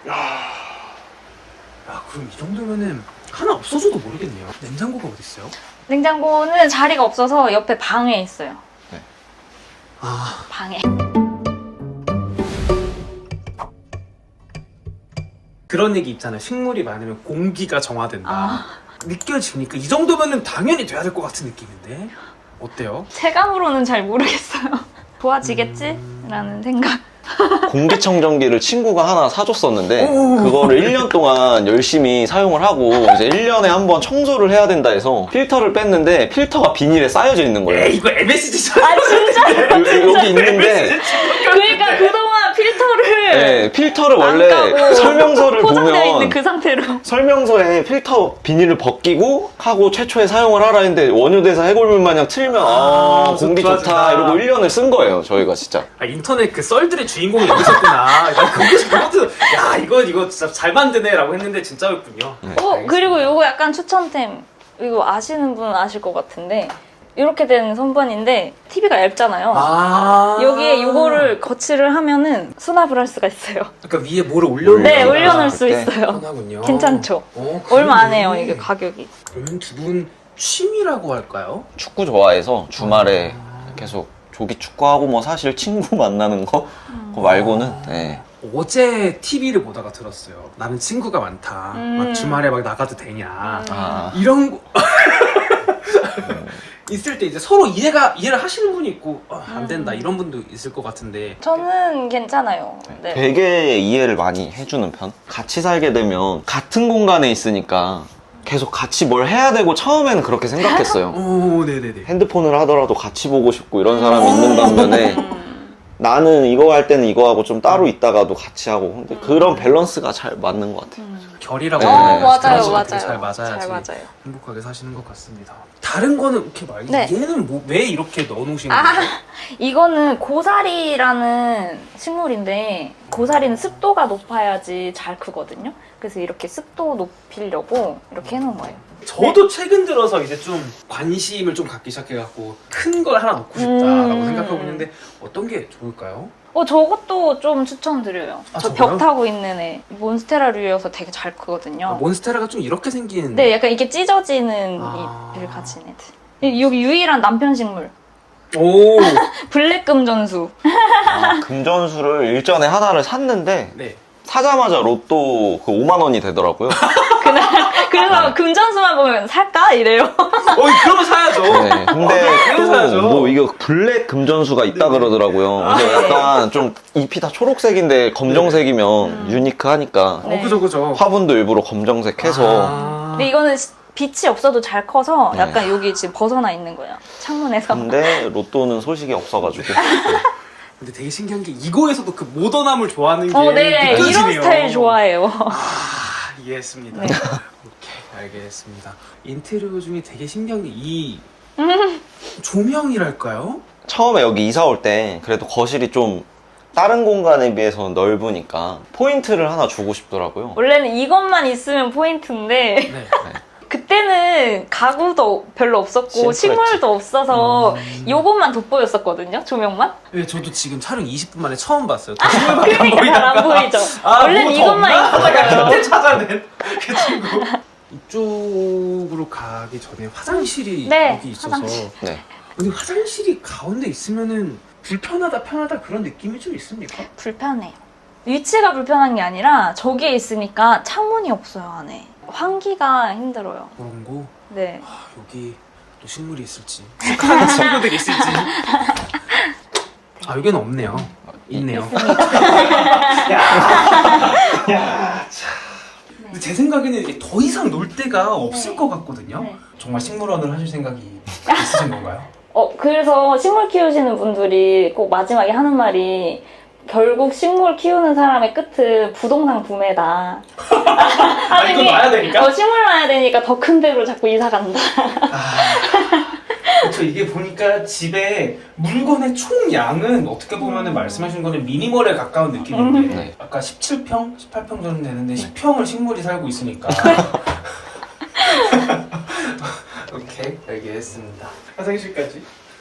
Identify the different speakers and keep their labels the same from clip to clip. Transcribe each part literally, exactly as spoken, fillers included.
Speaker 1: 야, 야 그럼 이 정도면은 하나 없어져도 모르겠네요. 냉장고가 어디 있어요?
Speaker 2: 냉장고는 자리가 없어서 옆에 방에 있어요.
Speaker 3: 네.
Speaker 1: 아,
Speaker 2: 방에.
Speaker 1: 그런 얘기 있잖아요. 식물이 많으면 공기가 정화된다.
Speaker 2: 아.
Speaker 1: 느껴집니까? 이 정도면은 당연히 돼야 될 것 같은 느낌인데 어때요?
Speaker 2: 체감으로는 잘 모르겠어요. 좋아지겠지?
Speaker 1: 음...
Speaker 2: 라는 생각.
Speaker 3: 공기청정기를 친구가 하나 사줬었는데
Speaker 1: 오.
Speaker 3: 그거를 일 년 동안 열심히 사용을 하고 이제 일 년에 한 번 청소를 해야 된다 해서 필터를 뺐는데 필터가 비닐에 쌓여져 있는 거예요.
Speaker 1: 에이, 이거 엠에스지잖아.
Speaker 2: 아 진짜요?
Speaker 3: 여기 있는데
Speaker 2: 그러니까 그동안 필터를
Speaker 3: 네, 필터를
Speaker 2: 안
Speaker 3: 원래
Speaker 2: 까고
Speaker 3: 설명서를
Speaker 2: 포장되어 있는
Speaker 3: 보면
Speaker 2: 그 상태로.
Speaker 3: 설명서에 필터 비닐을 벗기고 하고 최초에 사용을 하라 했는데 원효대사 해골물 마냥 틀면 아,
Speaker 1: 아,
Speaker 3: 공기
Speaker 1: 좋아진다.
Speaker 3: 좋다 이러고 일 년을 쓴 거예요 저희가 진짜.
Speaker 1: 아, 인터넷 그 썰들의 주인공이 여기셨구나. 나 그거 그것도 야 이거 이거 진짜 잘 만드네라고 했는데 진짜였군요.
Speaker 3: 네.
Speaker 2: 어 그리고 요거 약간 추천템. 이거 아시는 분 아실 것 같은데 이렇게 된 선반인데 티비가 얇잖아요.
Speaker 1: 아
Speaker 2: 여기에 요거를 거치를 하면은 수납을 할 수가 있어요.
Speaker 1: 그러니까 위에 뭐를 올려놓는
Speaker 2: 네,
Speaker 3: 음,
Speaker 2: 올려놓을
Speaker 3: 아,
Speaker 2: 수
Speaker 3: 그때?
Speaker 2: 있어요.
Speaker 1: 편하군요.
Speaker 2: 괜찮죠?
Speaker 1: 어,
Speaker 2: 얼마 안
Speaker 1: 그러네.
Speaker 2: 해요, 이게 가격이.
Speaker 1: 그러면 두 분 취미라고 할까요?
Speaker 3: 축구 좋아해서 주말에
Speaker 1: 아.
Speaker 3: 계속 조기 축구하고 뭐 사실 친구 만나는 거 그거 말고는 네.
Speaker 1: 어제 티비를 보다가 들었어요. 나는 친구가 많다.
Speaker 2: 음.
Speaker 1: 막 주말에 막 나가도 되냐.
Speaker 3: 아.
Speaker 1: 이런 거 있을 때 이제 서로 이해가 이해를 하시는 분이 있고 어, 안 된다
Speaker 2: 음.
Speaker 1: 이런 분도 있을 것 같은데.
Speaker 2: 저는 괜찮아요. 네.
Speaker 3: 되게 이해를 많이 해주는 편. 같이 살게 되면 같은 공간에 있으니까 계속 같이 뭘 해야 되고 처음에는 그렇게 생각했어요.
Speaker 1: 오, 네네네.
Speaker 3: 핸드폰을 하더라도 같이 보고 싶고 이런 사람이 있는 반면에
Speaker 2: 음.
Speaker 3: 나는 이거 할 때는 이거 하고 좀 따로 있다가도 같이 하고 근데 그런 밸런스가 잘 맞는 것 같아요.
Speaker 2: 음.
Speaker 1: 결이라고
Speaker 3: 네,
Speaker 2: 어,
Speaker 1: 하나요?
Speaker 2: 맞아요,
Speaker 1: 그런 식으로
Speaker 2: 맞아요.
Speaker 1: 되게 잘 맞아야지
Speaker 2: 잘 맞아요.
Speaker 1: 행복하게 사시는 것 같습니다. 다른 거는 이렇게 말고
Speaker 2: 네.
Speaker 1: 얘는 뭐 왜 이렇게 넣어놓으시는
Speaker 2: 아,
Speaker 1: 거예요?
Speaker 2: 이거는 고사리라는 식물인데 고사리는 습도가 높아야지 잘 크거든요. 그래서 이렇게 습도 높이려고 이렇게 해놓은 거예요.
Speaker 1: 저도 최근 들어서 이제 좀 관심을 좀 갖기 시작해갖고 큰 걸 하나 넣고 싶다라고
Speaker 2: 음.
Speaker 1: 생각하고 있는데 어떤 게 좋을까요?
Speaker 2: 어, 저것도 좀 추천드려요.
Speaker 1: 아,
Speaker 2: 저
Speaker 1: 저거요?
Speaker 2: 벽 타고 있는 애. 몬스테라류여서 되게 잘 크거든요.
Speaker 1: 아, 몬스테라가 좀 이렇게 생긴
Speaker 2: 네, 약간 이렇게 찢어지는
Speaker 1: 아.
Speaker 2: 잎을 가진 애들. 여기 유일한 남편 식물.
Speaker 1: 오,
Speaker 2: 블랙금전수.
Speaker 3: 아, 금전수를 일전에 하나를 샀는데
Speaker 1: 네.
Speaker 3: 사자마자 로또 그 오만 원이 되더라고요.
Speaker 2: 그날, 그래서 금전수만 보면 살까? 이래요.
Speaker 1: 어, 그러면 사야죠.
Speaker 3: 네, 근데
Speaker 1: 그건 사야죠.
Speaker 3: 또 뭐 이거 블랙 금전수가 있다
Speaker 1: 네네.
Speaker 3: 그러더라고요.
Speaker 1: 아,
Speaker 3: 그래서
Speaker 2: 네.
Speaker 3: 약간 좀 잎이 다 초록색인데 검정색이면
Speaker 2: 음.
Speaker 3: 유니크하니까
Speaker 1: 어, 그죠, 그죠.
Speaker 3: 화분도 일부러 검정색 해서
Speaker 1: 아.
Speaker 2: 근데 이거는 시- 빛이 없어도 잘 커서
Speaker 3: 네.
Speaker 2: 약간 여기 지금 벗어나 있는 거예요. 창문에서.
Speaker 3: 근데 로또는 소식이 없어가지고
Speaker 1: 근데 되게 신기한 게 이거에서도 그 모던함을 좋아하는 게
Speaker 2: 어, 네.
Speaker 1: 느껴지네요.
Speaker 2: 이런 스타일 좋아해요.
Speaker 1: 아, 이해했습니다.
Speaker 2: 네.
Speaker 1: 오케이, 알겠습니다. 인테리어 중에 되게 신기한 게 이 조명이랄까요?
Speaker 3: 처음에 여기 이사 올 때 그래도 거실이 좀 다른 공간에 비해서 넓으니까 포인트를 하나 주고 싶더라고요.
Speaker 2: 원래는 이것만 있으면 포인트인데
Speaker 1: 네.
Speaker 2: 그때는 가구도 별로 없었고
Speaker 3: 심플했지.
Speaker 2: 식물도 없어서
Speaker 1: 음.
Speaker 2: 요것만 돋보였었거든요. 조명만.
Speaker 1: 네, 저도 지금 촬영 이십 분 만에 처음 봤어요. 저 신발밖에 안
Speaker 2: 그러니까 잘 안 보이죠.
Speaker 1: 아,
Speaker 2: 원래는
Speaker 1: 뭐더
Speaker 2: 이것만
Speaker 1: 없나?
Speaker 2: 있어요.
Speaker 1: 그때 찾아낸 그 친구. 이쪽으로 가기 전에 화장실이
Speaker 2: 네,
Speaker 1: 여기 있어서.
Speaker 2: 화장실.
Speaker 3: 네.
Speaker 1: 근데 화장실이 가운데 있으면은 불편하다 편하다 그런 느낌이 좀 있습니까?
Speaker 2: 불편해요. 위치가 불편한 게 아니라 저기에 있으니까 창문이 없어요, 안에. 환기가 힘들어요.
Speaker 1: 그런 거.
Speaker 2: 네.
Speaker 1: 아, 여기 또 식물이 있을지 축하하는 친구들이 있을지. 아, 여기는 없네요. 있네요. 야, 야, 참. 근데 제 생각에는 이게 더 이상 놀 데가 없을
Speaker 2: 네.
Speaker 1: 것 같거든요.
Speaker 2: 네.
Speaker 1: 정말 식물원을 하실 생각이 있으신 건가요?
Speaker 2: 어, 그래서 식물 키우시는 분들이 꼭 마지막에 하는 말이 결국 식물 키우는 사람의 끝은 부동산 구매다.
Speaker 1: 아, 이거 놔야 되니까?
Speaker 2: 어, 식물 놔야 되니까 더 큰 데로 자꾸 이사 간다.
Speaker 1: 아, 그렇죠. 이게 보니까 집에 물건의 총 양은 어떻게 보면은
Speaker 2: 음.
Speaker 1: 말씀하신 거는 미니멀에 가까운 느낌인데
Speaker 3: 네.
Speaker 1: 아까 십칠 평, 십팔 평 정도 되는데 십 평을 식물이 살고 있으니까. 오케이, 알겠습니다. 화장실까지.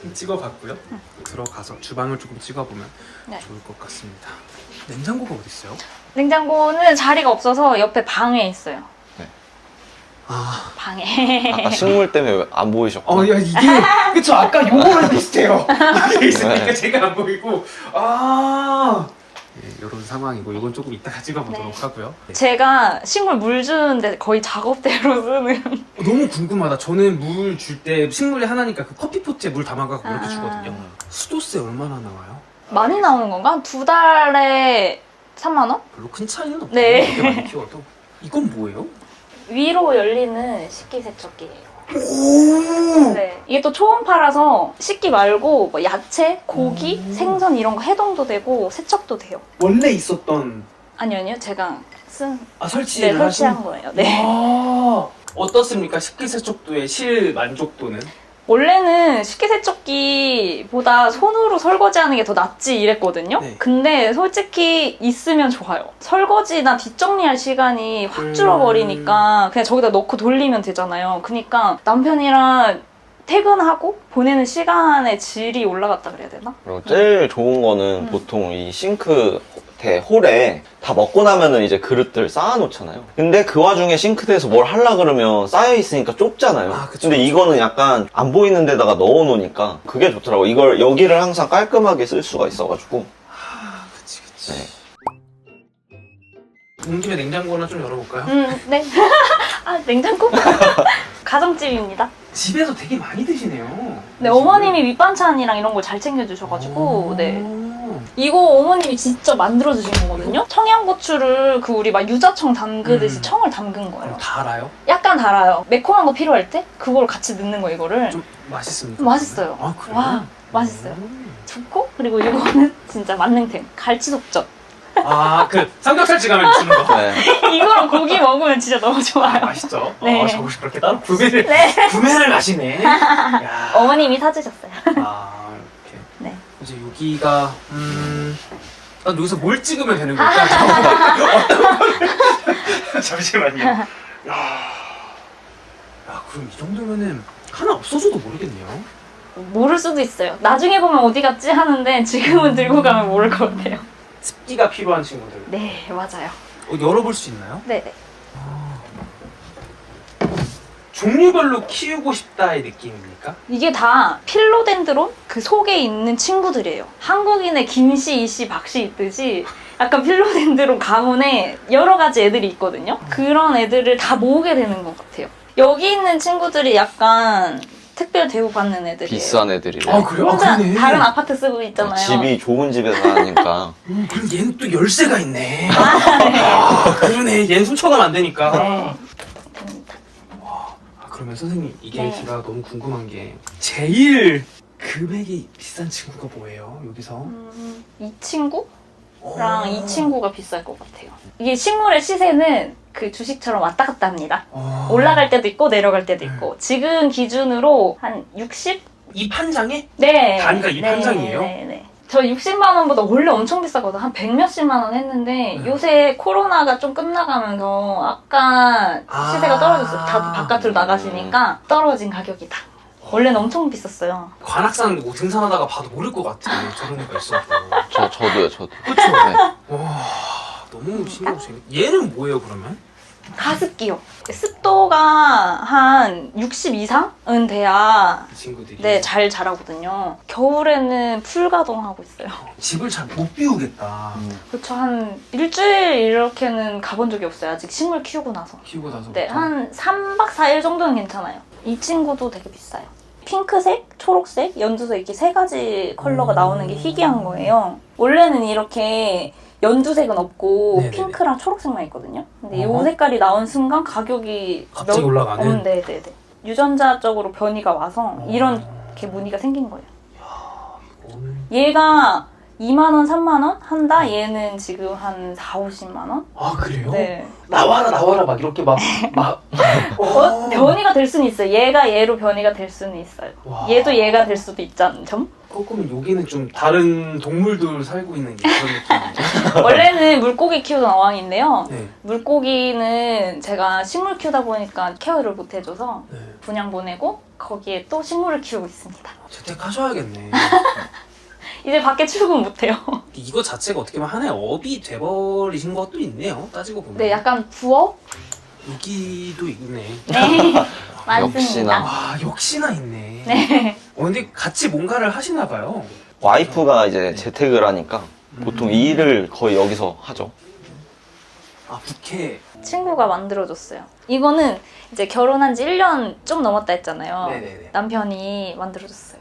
Speaker 1: 찍어봤고요. 들어가서 주방을 조금 찍어보면
Speaker 2: 네.
Speaker 1: 좋을 것 같습니다. 냉장고가 어디 있어요?
Speaker 2: 냉장고는 자리가 없어서 옆에 방에 있어요.
Speaker 1: 아,
Speaker 2: 방에.
Speaker 3: 아까 식물 때문에 안 보이셨고.
Speaker 1: 어, 야 이게 그쵸 아까 요거랑 비슷해요. 이게 있으니까
Speaker 3: 네.
Speaker 1: 제가 안 보이고 아. 네, 이런 상황이고 이건 조금 이따가 찍어보도록
Speaker 2: 네.
Speaker 1: 하고요. 네.
Speaker 2: 제가 식물 물 주는데 거의 작업대로 쓰는.
Speaker 1: 어, 너무 궁금하다. 저는 물 줄 때 식물이 하나니까 그 커피포트에 물 담아가고 이렇게
Speaker 2: 아.
Speaker 1: 주거든요. 수도세 얼마나 나와요?
Speaker 2: 많이 나오는 건가? 한 두 달에 삼만 원?
Speaker 1: 별로 큰 차이는 없어요.
Speaker 2: 네.
Speaker 1: 그렇게 많이 키워도. 이건 뭐예요?
Speaker 2: 위로 열리는 식기세척기예요.
Speaker 1: 오.
Speaker 2: 네. 이게 또 초음파라서 식기 말고 뭐 야채, 고기,
Speaker 1: 오.
Speaker 2: 생선 이런 거 해동도 되고 세척도 돼요.
Speaker 1: 원래 있었던
Speaker 2: 아니요, 아니요. 제가 쓴,
Speaker 1: 아
Speaker 2: 네,
Speaker 1: 설치를
Speaker 2: 설치한
Speaker 1: 하신-
Speaker 2: 거예요. 네.
Speaker 1: 아, 어떻습니까? 식기세척도의 실 만족도는?
Speaker 2: 원래는 식기세척기보다 손으로 설거지하는 게 더 낫지 이랬거든요.
Speaker 1: 네.
Speaker 2: 근데 솔직히 있으면 좋아요. 설거지나 뒷정리할 시간이 확
Speaker 1: 음.
Speaker 2: 줄어버리니까 그냥 저기다 넣고 돌리면 되잖아요. 그러니까 남편이랑 퇴근하고 보내는 시간의 질이 올라갔다 그래야 되나?
Speaker 3: 그리고 제일 좋은 거는
Speaker 2: 음.
Speaker 3: 보통 이 싱크 대 홀에 다 먹고 나면은 이제 그릇들 쌓아놓잖아요. 근데 그 와중에 싱크대에서 뭘 하려 그러면 쌓여있으니까 좁잖아요.
Speaker 1: 아, 그쵸,
Speaker 3: 근데
Speaker 1: 그쵸.
Speaker 3: 이거는 약간 안 보이는 데다가 넣어놓으니까 그게 좋더라고. 이걸 여기를 항상 깔끔하게 쓸 수가 있어가지고.
Speaker 1: 아, 그치, 그치.
Speaker 3: 네.
Speaker 1: 온 김에 냉장고 하나 좀 열어볼까요?
Speaker 2: 음, 네. 아, 냉장고? 가정집입니다.
Speaker 1: 집에서 되게 많이 드시네요.
Speaker 2: 네, 어머님이 밑반찬이랑 이런 걸 잘 챙겨주셔가지고, 네. 이거 어머님이 직접 만들어주신 거거든요? 청양고추를 그 우리 막 유자청 담그듯이
Speaker 1: 음.
Speaker 2: 청을 담근 거예요.
Speaker 1: 그럼 다 알아요?
Speaker 2: 약간 달아요. 매콤한 거 필요할 때 그걸 같이 넣는 거 이거를.
Speaker 1: 좀 맛있습니까?
Speaker 2: 맛있어요.
Speaker 1: 아, 그래요?
Speaker 2: 와, 맛있어요.
Speaker 1: 음.
Speaker 2: 좋고 그리고 이거는 진짜 만능템. 갈치속젓.
Speaker 1: 아, 그 삼겹살집 가면 주는 거.
Speaker 3: 네.
Speaker 2: 이거랑 고기 먹으면 진짜 너무
Speaker 1: 아,
Speaker 2: 좋아요.
Speaker 1: 맛있죠?
Speaker 2: 네.
Speaker 1: 아, 저것이 그렇게 따로 구매를,
Speaker 2: 네.
Speaker 1: 구매를 하시네. 야.
Speaker 2: 어머님이 사주셨어요.
Speaker 1: 아, 이렇게.
Speaker 2: 네.
Speaker 1: 이제 여기가, 음. 난 여기서 뭘 찍으면 되는 걸까? 어떤 거를. 잠시만요. 야. 야, 그럼 이 정도면은 하나 없어져도 모르겠네요.
Speaker 2: 모를 수도 있어요. 나중에 보면 어디 갔지 하는데 지금은 들고 가면 모를 것 같아요.
Speaker 1: 습기가 필요한 친구들.
Speaker 2: 네, 맞아요.
Speaker 1: 어, 열어볼 수 있나요?
Speaker 2: 네, 네.
Speaker 1: 종류별로 키우고 싶다의 느낌입니까?
Speaker 2: 이게 다 필로덴드론 그 속에 있는 친구들이에요. 한국인의 김씨, 이씨, 박씨 있듯이 약간 필로덴드론 가문에 여러 가지 애들이 있거든요. 그런 애들을 다 모으게 되는 것 같아요. 여기 있는 친구들이 약간 특별 대우받는 애들이에요.
Speaker 3: 비싼 애들이래.
Speaker 1: 아, 그래요? 아,
Speaker 2: 혼자
Speaker 1: 그러네.
Speaker 2: 다른 아파트 쓰고 있잖아요.
Speaker 3: 집이 좋은 집에 사니까.
Speaker 1: 음, 그럼 얘는 또 열쇠가 있네. 아, 그러네. 얘는 훔쳐가면 안 되니까.
Speaker 2: 네.
Speaker 1: 아, 그러면 선생님, 이게
Speaker 2: 네.
Speaker 1: 제가 너무 궁금한 게 제일 금액이 비싼 친구가 뭐예요? 여기서?
Speaker 2: 음, 이 친구랑
Speaker 1: 어.
Speaker 2: 이 친구가 비쌀 것 같아요. 이게 식물의 시세는 그 주식처럼 왔다 갔다 합니다.
Speaker 1: 어.
Speaker 2: 올라갈 때도 있고 내려갈 때도 있고 지금 기준으로 한 육십?
Speaker 1: 이 판장에?
Speaker 2: 네.
Speaker 1: 단가 이 판장이에요?
Speaker 2: 네, 네. 저 육십만 원보다 원래 엄청 비싸거든. 한 백 몇십만 원 했는데
Speaker 1: 네.
Speaker 2: 요새 코로나가 좀 끝나가면서 약간
Speaker 1: 아.
Speaker 2: 시세가 떨어졌어요. 다 바깥으로 나가시니까 떨어진 가격이다. 원래는 엄청 비쌌어요.
Speaker 1: 관악산 뭐 등산하다가 봐도 모를 것 같아. 저런 애가 있어도.
Speaker 3: 저, 저도요, 저도.
Speaker 1: 그쵸?
Speaker 3: 네.
Speaker 1: 와, 너무 신경 쓰이네. 얘는 뭐예요, 그러면?
Speaker 2: 가습기요. 습도가 한 육십 이상은 돼야
Speaker 1: 이 친구들이.
Speaker 2: 네, 잘 자라거든요. 겨울에는 풀가동하고 있어요.
Speaker 1: 집을 잘 못 비우겠다.
Speaker 2: 그렇죠. 한 일주일 이렇게는 가본 적이 없어요. 아직 식물 키우고 나서.
Speaker 1: 키우고 나서.
Speaker 2: 네, 한 삼 박 사 일 정도는 괜찮아요. 이 친구도 되게 비싸요. 핑크색, 초록색, 연두색 이렇게 세 가지 컬러가
Speaker 1: 음.
Speaker 2: 나오는 게 희귀한 거예요. 원래는 이렇게 연두색은 없고
Speaker 1: 네네네.
Speaker 2: 핑크랑 초록색만 있거든요. 근데 이
Speaker 1: 어허.
Speaker 2: 색깔이 나온 순간 가격이
Speaker 1: 갑자기
Speaker 2: 몇-
Speaker 1: 올라가는?
Speaker 2: 어, 네네네. 유전자적으로 변이가 와서
Speaker 1: 어.
Speaker 2: 이렇게 무늬가 생긴 거예요.
Speaker 1: 오늘.
Speaker 2: 얘가 이만 원, 삼만 원 한다? 얘는 지금 한 사, 오십만 원?
Speaker 1: 아 그래요?
Speaker 2: 네.
Speaker 1: 나와라 나와라 막 이렇게 막 막.
Speaker 2: 어, 변이가 될 수는 있어요. 얘가 얘로 변이가 될 수는 있어요.
Speaker 1: 와.
Speaker 2: 얘도 얘가 될 수도 있잖아요. 점?
Speaker 1: 조금 여기는 좀 다른 동물들 살고 있는 게 그런 느낌이죠.
Speaker 2: 원래는 물고기 키우던 어항인데요.
Speaker 1: 네.
Speaker 2: 물고기는 제가 식물 키우다 보니까 케어를 못 해줘서
Speaker 1: 네.
Speaker 2: 분양 보내고 거기에 또 식물을 키우고 있습니다.
Speaker 1: 재택하셔야겠네.
Speaker 2: 이제 밖에 출근 못해요.
Speaker 1: 이거 자체가 어떻게 보면 하나의 업이 돼버리신 것도 있네요. 따지고 보면.
Speaker 2: 네, 약간 부업?
Speaker 1: 여기도 있네.
Speaker 2: 네, 많습니다.
Speaker 3: 역시나.
Speaker 1: 아 역시나 있네.
Speaker 2: 네.
Speaker 1: 어, 근데 같이 뭔가를 하시나 봐요.
Speaker 3: 와이프가 이제 재택을 하니까 보통 이 일을 거의 여기서 하죠.
Speaker 1: 아 부캐.
Speaker 2: 친구가 만들어줬어요. 이거는 이제 결혼한 지 일 년 좀 넘었다 했잖아요.
Speaker 1: 네네네.
Speaker 2: 남편이 만들어줬어요.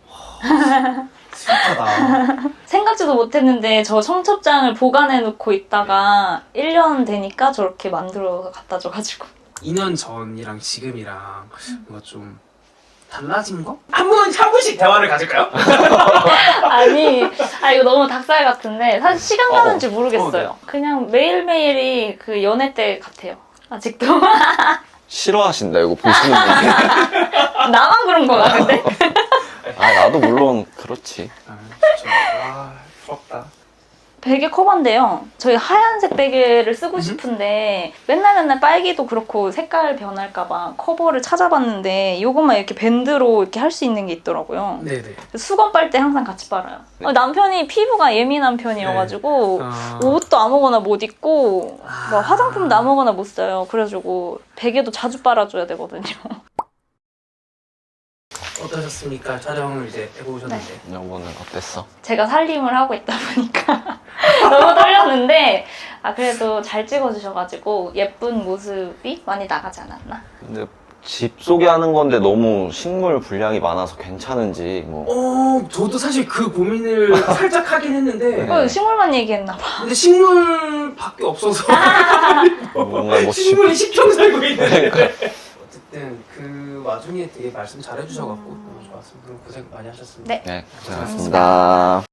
Speaker 1: 스윗하다.
Speaker 2: 생각지도 못했는데 저 청첩장을 보관해 놓고 있다가 일 년 되니까 저렇게 만들어 갖다 줘가지고.
Speaker 1: 이 년 전이랑 지금이랑 뭔가 좀 달라진 거? 한 분, 한 분씩 대화를 가질까요?
Speaker 2: 아니, 아 이거 너무 닭살 같은데 사실 시간 가는 줄
Speaker 1: 어,
Speaker 2: 모르겠어요.
Speaker 1: 네.
Speaker 2: 그냥 매일매일이 그 연애 때 같아요. 아직도.
Speaker 3: 싫어하신다 이거 보시는 분이.
Speaker 2: 나만 그런 거 같은데?
Speaker 3: 아 나도 물론 그렇지.
Speaker 1: 아, 진짜. 와, 부럽다.
Speaker 2: 베개 커버인데요. 저희 하얀색 베개를 쓰고 싶은데 맨날 맨날 빨기도 그렇고 색깔 변할까봐 커버를 찾아봤는데 이것만 이렇게 밴드로 이렇게 할 수 있는 게 있더라고요.
Speaker 1: 네네.
Speaker 2: 수건 빨 때 항상 같이 빨아요.
Speaker 3: 네.
Speaker 2: 어, 남편이 피부가 예민한 편이어가지고
Speaker 1: 아,
Speaker 2: 옷도 아무거나 못 입고
Speaker 1: 아.
Speaker 2: 막 화장품도 아무거나 못 써요. 그래가지고 베개도 자주 빨아줘야 되거든요.
Speaker 1: 어떠셨습니까? 촬영을 이제 해보셨는데.
Speaker 3: 여보는 어땠어?
Speaker 2: 제가 살림을 하고 있다 보니까 너무 떨렸는데 아 그래도 잘 찍어주셔가지고 예쁜 모습이 많이 나가지 않았나?
Speaker 3: 근데 집 소개하는 건데 너무 식물 분량이 많아서 괜찮은지 뭐.
Speaker 1: 어, 저도 사실 그 고민을 살짝 하긴 했는데.
Speaker 3: 네.
Speaker 2: 어, 식물만 얘기했나 봐.
Speaker 1: 근데 식물밖에 없어서.
Speaker 3: 뭔가 뭐 집-
Speaker 1: 식물이 십 평 살고 있는데.
Speaker 3: 그러니까.
Speaker 1: 어쨌든 그 와중에 되게 말씀 잘해주셔갖고 너무 좋았습니다. 고생 많이 하셨습니다.
Speaker 2: 네.
Speaker 3: 네, 고생하셨습니다.